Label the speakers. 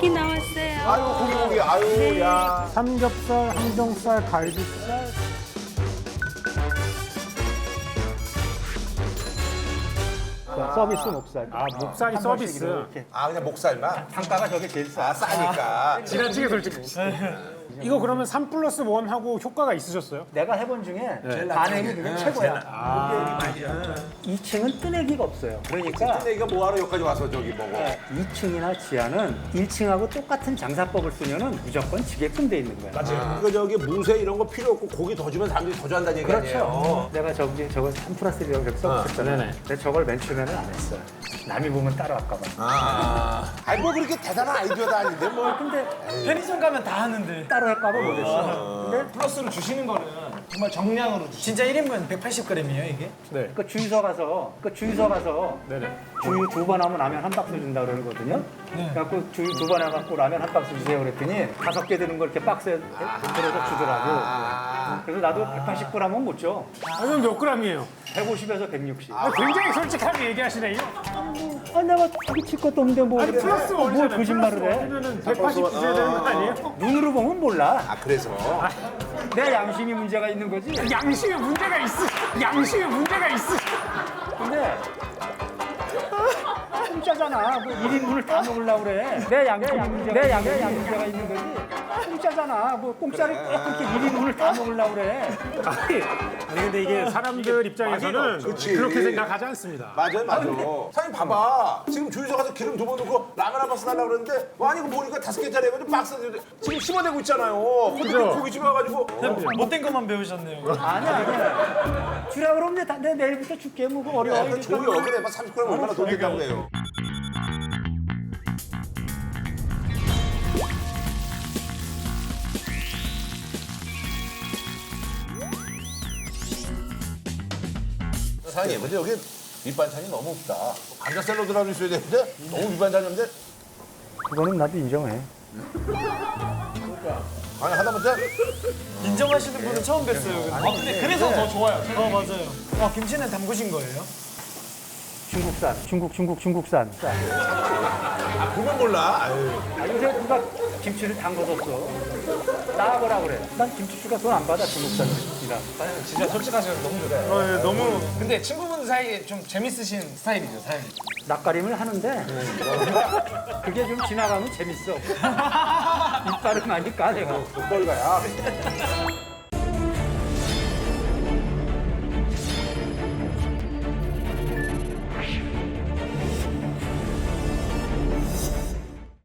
Speaker 1: 고기 나왔어요.
Speaker 2: 아유 고기 아유 야.
Speaker 3: 삼겹살, 항정살, 갈비살. 서비스 목살.
Speaker 4: 아, 목살이
Speaker 3: 한
Speaker 4: 서비스.
Speaker 3: 번씩 이렇게.
Speaker 2: 아 그냥 목살만.
Speaker 3: 단가가 저게 제일 싸.
Speaker 2: 아 싸니까.
Speaker 4: 지나치게 솔직히. 이거 그러면 3+1하고 효과가 있으셨어요?
Speaker 3: 내가 해본 중에 반응이 그게 최고야. 2층은 뜨내기가 없어요. 그러니까
Speaker 2: 근데 뭐하러 여기까지 와서 저기 먹어.
Speaker 3: 2층이나 지하는 1층하고 똑같은 장사법을 쓰면은 무조건 지게끔 돼 있는 거야.
Speaker 2: 맞아요. 그 저기 무쇠 이런 거 필요 없고 고기 더 주면 사람들이 더 좋아한다는 얘기
Speaker 3: 그렇죠.
Speaker 2: 아니에요.
Speaker 3: 내가 저거 3+1이라고 이렇게 써붙였잖아요.
Speaker 4: 네네.
Speaker 3: 근데 저걸 맨 처음에는 안 했어요. 남이 보면 따라할까 봐.
Speaker 2: 아니 뭐 그렇게 대단한 아이디어도 아닌데 뭐.
Speaker 3: 근데
Speaker 5: 편의점 가면 다 하는데
Speaker 3: 따라할까 봐 못했어. 근데
Speaker 5: 플러스로 주시는 거는 정말 정량으로 주시는 진짜 1인분 180g이에요 이게?
Speaker 4: 네.
Speaker 3: 그 주유소 가서
Speaker 4: 네네.
Speaker 3: 주유 2번 하면 라면 한 박스 준다 그러거든요. 그래갖고 주유 2번 해갖고 라면 한 박스 주세요 그랬더니 5개 드는 걸 이렇게 박스에 들어서 주더라고. 그래서 나도 180g 하면 못 줘.
Speaker 4: 아, 그럼 몇 g이에요?
Speaker 3: 150에서 160.
Speaker 4: 굉장히 솔직하게 얘기하시네요.
Speaker 3: 내가 자기 칠 것도 없는데 뭐
Speaker 4: 아니, 플러스
Speaker 3: 뭘
Speaker 4: 원이잖아요.
Speaker 3: 거짓말을 해.
Speaker 4: 원이면은 180 주셔야 되는 거 아니에요?
Speaker 3: 눈으로 보면 몰라.
Speaker 2: 아 그래서.
Speaker 3: 내 양심이 문제가 있는 거지.
Speaker 4: 양심에 문제가 있으. 양심에 문제가 있으.
Speaker 3: 근데 공짜잖아. 뭐 1인분을 다 먹으려고 그래. 내 양심이 문제가 있는 거지. 공짜잖아. 뭐 공짜를 꼭 그렇게 1인분을 다 먹으려고 그래.
Speaker 4: 아니 근데 이게 사람들 입장에서는
Speaker 2: 그치.
Speaker 4: 그렇게 생각하지 않습니다.
Speaker 2: 맞아요. 사장님 봐봐. 지금 주유소 가서 기름 2번 넣고 라면 한 박스 달라고 그러는데 아니 이거 보니까 5개짜리 해가지고 박스 지금 씹어내고 있잖아요. 근데
Speaker 4: 그죠?
Speaker 2: 고기 집어가지고
Speaker 5: 못된 것만 배우셨네요.
Speaker 3: 아니야. 주라 그러면 내 내일부터 줄게. 뭐 어려워.
Speaker 2: 약간 조여 그래. 막 30g 얼마나 돈 된다고 해요. 사장님 근데 여기 밑반찬이 너무 없다. 감자 샐러드라도 있어야 되는데 너무 밑반찬이 없는데
Speaker 3: 그거는 나도 인정해.
Speaker 2: 아니 하다못해
Speaker 5: 인정하시는 분은 처음 뵀어요. 근데 그래서 더 좋아요. 맞아요. 김치는 담그신 거예요?
Speaker 3: 중국산. 중국산.
Speaker 2: 보면 몰라. 아유.
Speaker 3: 요새 누가 김치를 담궈줬어. 나와보라 그래. 난 김치주가 돈 안 받아 중국산이라.
Speaker 5: 진짜 솔직하셔서 너무 좋아요. 너무. 근데 친구분 사이에 좀 재밌으신 스타일이죠, 사장님.
Speaker 3: 낯가림을 하는데 그게 좀 지나가면 재밌어. 이빨을 많이 까내가.
Speaker 2: 돈 벌가야.